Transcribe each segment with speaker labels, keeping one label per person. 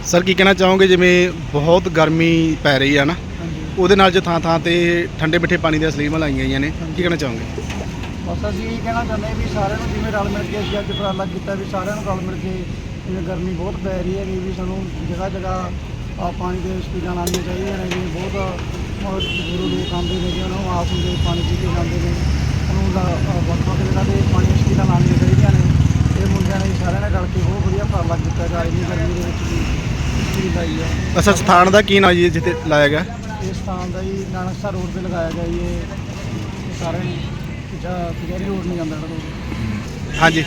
Speaker 1: Sir ਕੀ ਕਹਿਣਾ ਚਾਹੋਗੇ, ਜਿਵੇਂ ਬਹੁਤ ਗਰਮੀ ਪੈ ਰਹੀ ਆ ਨਾ, ਉਹਦੇ ਨਾਲ ਜੋ ਥਾਂ ਥਾਂ ਤੇ ਠੰਡੇ ਮਿੱਠੇ ਪਾਣੀ ਦੀਆਂ ਸਲੀਮਾਂ ਲਾਈਆਂ ਗਈਆਂ ਨੇ, ਕੀ ਕਹਿਣਾ ਚਾਹੋਗੇ?
Speaker 2: ਬਸ ਅਸੀਂ ਇਹ ਕਹਿਣਾ ਚਾਹੁੰਦੇ ਵੀ ਸਾਰਿਆਂ ਨੂੰ ਜਿਵੇਂ ਰਲ ਮਿਲ ਕੇ ਅਸੀਂ ਅੱਜ ਉਪਰਾਲਾ ਕੀਤਾ ਵੀ ਸਾਰਿਆਂ ਨੂੰ ਰਲ ਮਿਲ ਕੇ, ਜਿਵੇਂ ਗਰਮੀ ਬਹੁਤ ਪੈ ਰਹੀ ਹੈਗੀ ਵੀ ਸਾਨੂੰ ਜਗ੍ਹਾ ਜਗ੍ਹਾ ਪਾਣੀ ਦੇ ਸਪੀਡਾਂ ਲਾਉਣੀਆਂ ਚਾਹੀਦੀਆਂ ਨੇ। ਜਿਵੇਂ ਬਹੁਤ ਗੁਰੂ ਲੋਕ ਆਉਂਦੇ ਨੇ, ਉਹਨਾਂ ਨੂੰ ਆਸ ਹੁੰਦੇ ਪਾਣੀ ਪੀ ਕੇ ਜਾਂਦੇ ਨੇ, ਉਹਨੂੰ ਵੱਖ ਵੱਖ ਜਗ੍ਹਾ 'ਤੇ ਪਾਣੀ ਦੀਆਂ ਸਪੀਡਾਂ ਲਾਉਣੀਆਂ ਚਾਹੀਦੀਆਂ ਨੇ। ਇਹ ਮੁੰਡਿਆਂ ਨੇ ਸਾਰਿਆਂ ਨੇ ਰਲ ਕੇ ਬਹੁਤ ਵਧੀਆ ਉਪਰਾਲਾ ਕੀਤਾ ਗਾ ਇੰਨੀ ਗਰਮੀ ਦੇ ਵਿੱਚ ਵੀ ਸਪੀਡ ਲਾਈ ਹੈ।
Speaker 1: ਅੱਛਾ, ਸਥਾਨ ਦਾ ਕੀ ਨਾਮ ਜੀ ਜਿੱਥੇ ਲਾਇਆ ਗਿਆ?
Speaker 2: ਇਸ ਸਥਾਨ ਦਾ ਜੀ ਨਾਨਕਸਰ ਰੋਡ 'ਤੇ ਲਗਾਇਆ ਗਿਆ ਜੀ। ਇਹ ਸਾਰੇ ਕਚਹਿਰੀ ਰੋਡ ਨਹੀਂ ਜਾਂਦਾ ਰੋਡ।
Speaker 1: ਹਾਂਜੀ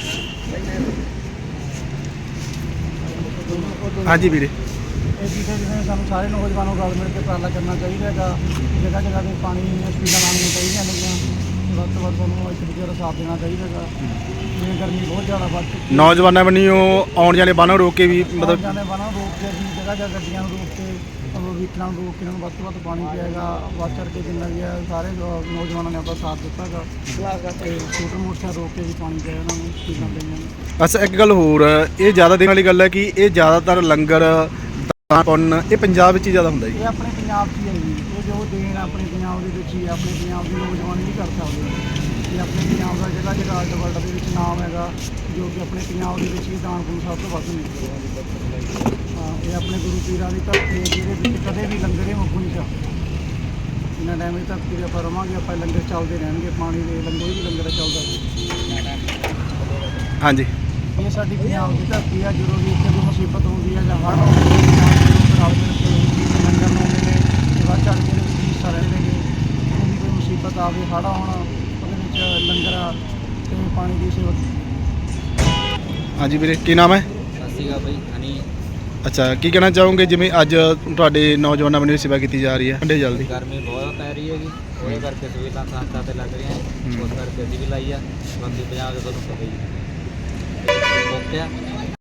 Speaker 1: ਹਾਂਜੀ ਵੀਰੇ,
Speaker 2: ਇਹ ਚੀਜ਼ਾਂ ਜਿਵੇਂ ਸਾਨੂੰ ਸਾਰੇ ਨੌਜਵਾਨਾਂ ਨੂੰ ਰਲ ਮਿਲ ਕੇ ਉਪਰਾਲਾ ਕਰਨਾ ਚਾਹੀਦਾ ਹੈਗਾ। ਜਗ੍ਹਾ ਜਗ੍ਹਾ 'ਤੇ ਪਾਣੀ ਦੀਆਂ ਸਪੀਡਾਂ ਲਾਉਣੀਆਂ ਚਾਹੀਦੀਆਂ ਨੇਗੀਆਂ। ਵੱਧ ਤੋਂ ਵੱਧ ਸਾਨੂੰ ਇੱਕ ਦੂਜੇ ਦਾ ਸਾਥ ਦੇਣਾ ਚਾਹੀਦਾ ਹੈਗਾ। ਜਿਵੇਂ ਗਰਮੀ ਬਹੁਤ ਜ਼ਿਆਦਾ ਵੱਧ ਚੁੱਕੀ ਹੈ,
Speaker 1: ਨੌਜਵਾਨਾਂ ਵੱਲੋਂ ਆਉਣ ਜਾਣੇ ਬਾਹਰੋਂ ਰੋਕ ਕੇ ਵੀ ਮਤਲਬ
Speaker 2: ਜਾਣੇ ਵਾਹਨਾਂ ਨੂੰ ਰੋਕ ਕੇ ਅਸੀਂ ਜਗ੍ਹਾ ਜਗ੍ਹਾ ਗੱਡੀਆਂ ਨੂੰ ਰੋਕ ਕੇ ਵਹੀਕਲਾਂ ਨੂੰ ਰੋਕ ਕੇ ਇਹਨਾਂ ਨੂੰ ਵੱਧ ਤੋਂ ਵੱਧ ਪਾਣੀ ਪਿਆਏਗਾ। ਵੱਧ ਚੜ੍ਹ ਕੇ ਜਿੰਨਾ ਵੀ ਹੈ ਸਾਰੇ ਨੌਜਵਾਨਾਂ ਨੇ ਆਪਣਾ ਸਾਥ ਦਿੱਤਾ ਹੈਗਾ ਤੇ ਸਕੂਟਰ ਮੋਟਰਸਾਈਕਲ ਰੋਕ ਕੇ ਵੀ ਪਾਣੀ ਪਿਆ ਉਹਨਾਂ ਨੂੰ ਸਪੀਡਾਂ ਦੇਣੀਆਂ ਨੇ।
Speaker 1: ਅੱਛਾ, ਇੱਕ ਗੱਲ ਹੋਰ, ਇਹ ਜ਼ਿਆਦਾ ਦੇਖਣ ਵਾਲੀ ਗੱਲ ਹੈ ਕਿ ਇਹ ਜ਼ਿਆਦਾਤਰ ਲੰਗਰ ਦਾਨ ਪੁੰਨ ਇਹ ਪੰਜਾਬ ਵਿੱਚ ਹੀ ਜ਼ਿਆਦਾ ਹੁੰਦਾ ਜੀ।
Speaker 2: ਇਹ ਆਪਣੇ ਪੰਜਾਬ 'ਚ ਹੀ ਹੈ ਜੀ। ਇਹ ਜੋ ਦੇਣ ਆਪਣੇ ਪੰਜਾਬ ਦੇ ਵਿੱਚ ਹੀ ਹੈ। ਆਪਣੇ ਪੰਜਾਬ ਦੇ ਨੌਜਵਾਨ ਨਹੀਂ ਕਰ ਸਕਦੇ। ਇਹ ਆਪਣੇ ਪੰਜਾਬ ਦਾ ਜਗ੍ਹਾ ਜਗ੍ਹਾ ਵਰਲਡ ਦੇ ਵਿੱਚ ਨਾਮ ਹੈਗਾ, ਜੋ ਕਿ ਆਪਣੇ ਪੰਜਾਬ ਦੇ ਵਿੱਚ ਹੀ ਦਾਨ ਪੁੰਨ ਸਭ ਤੋਂ ਵੱਧ ਨਿਕਲਿਆ। ਹਾਂ, ਇਹ ਆਪਣੇ ਗੁਰੂ ਪੀਰਾਂ ਦੀ ਧਰਤੀ ਹੈ ਜਿਹਦੇ ਵਿੱਚ ਕਦੇ ਵੀ ਲੰਗਰ ਮੁੱਕ ਨਹੀਂ ਸਕਦਾ। ਜਿੰਨਾ ਟਾਈਮ ਇਹ ਧਰਤੀ 'ਤੇ ਆਪਾਂ ਰਵਾਂਗੇ ਆਪਾਂ ਲੰਗਰ ਚੱਲਦੇ ਰਹਿਣਗੇ। ਪਾਣੀ ਦੇ ਲੰਗਰ ਵੀ ਲੰਗਰ ਚੱਲਦਾ।
Speaker 1: ਹਾਂਜੀ,
Speaker 2: ਇਹ ਸਾਡੀ ਪੰਜਾਬ ਦੀ ਧਰਤੀ ਹੈ। ਜਦੋਂ ਵੀ ਇੱਥੇ ਕੋਈ ਮੁਸੀਬਤ ਹੁੰਦੀ ਹੈ ਜਾਂ ਹੜ੍ਹ ਆਉਂਦੇ ਨੇ, ਰਲ ਮਿਲ ਕੇ ਲੰਗਰ ਲਾਉਂਦੇ ਨੇ ਤੇ ਵੱਧ ਚੜ੍ਹ ਕੇ ਇਹਦੇ ਵਿੱਚ ਹਿੱਸਾ ਲੈਂਦੇ ਨੇ। ਜਦੋਂ ਵੀ ਕੋਈ ਮੁਸੀਬਤ ਆਵੇ, ਹੜ੍ਹ ਆਉਣ, ਉਹਦੇ ਵਿੱਚ ਲੰਗਰ ਤੇ ਪਾਣੀ ਦੀ ਸੇਵਾ।
Speaker 1: ਹਾਂਜੀ ਵੀਰੇ, ਕੀ ਨਾਮ ਹੈ?
Speaker 3: ਸਤਿ ਸ਼੍ਰੀ ਅਕਾਲ ਬਾਈ ਹਨੀ।
Speaker 1: ਅੱਛਾ, ਕੀ ਕਹਿਣਾ ਚਾਹੋਗੇ ਜਿਵੇਂ ਅੱਜ ਤੁਹਾਡੇ ਨੌਜਵਾਨਾਂ ਵੱਲੋਂ ਸੇਵਾ ਕੀਤੀ ਜਾ ਰਹੀ ਹੈ ਠੰਡੇ ਜਲ ਦੀ?
Speaker 3: ਗਰਮੀ ਬਹੁਤ ਪੈ ਰਹੀ ਹੈਗੀ, ਉਹਦੇ ਕਰਕੇ ਸਹੂਲਤਾਂ ਸੰਸਥਾ ਤੇ ਲੱਗ ਰਹੀਆਂ, ਉਸ ਕਰਕੇ ਅਸੀਂ ਵੀ ਲਾਈ ਆ। ਬਾਕੀ ਪੰਜਾਬ ਦੇ ਤੁਹਾਨੂੰ ਪਤਾ ਹੀ ਓਕੇ ਆ।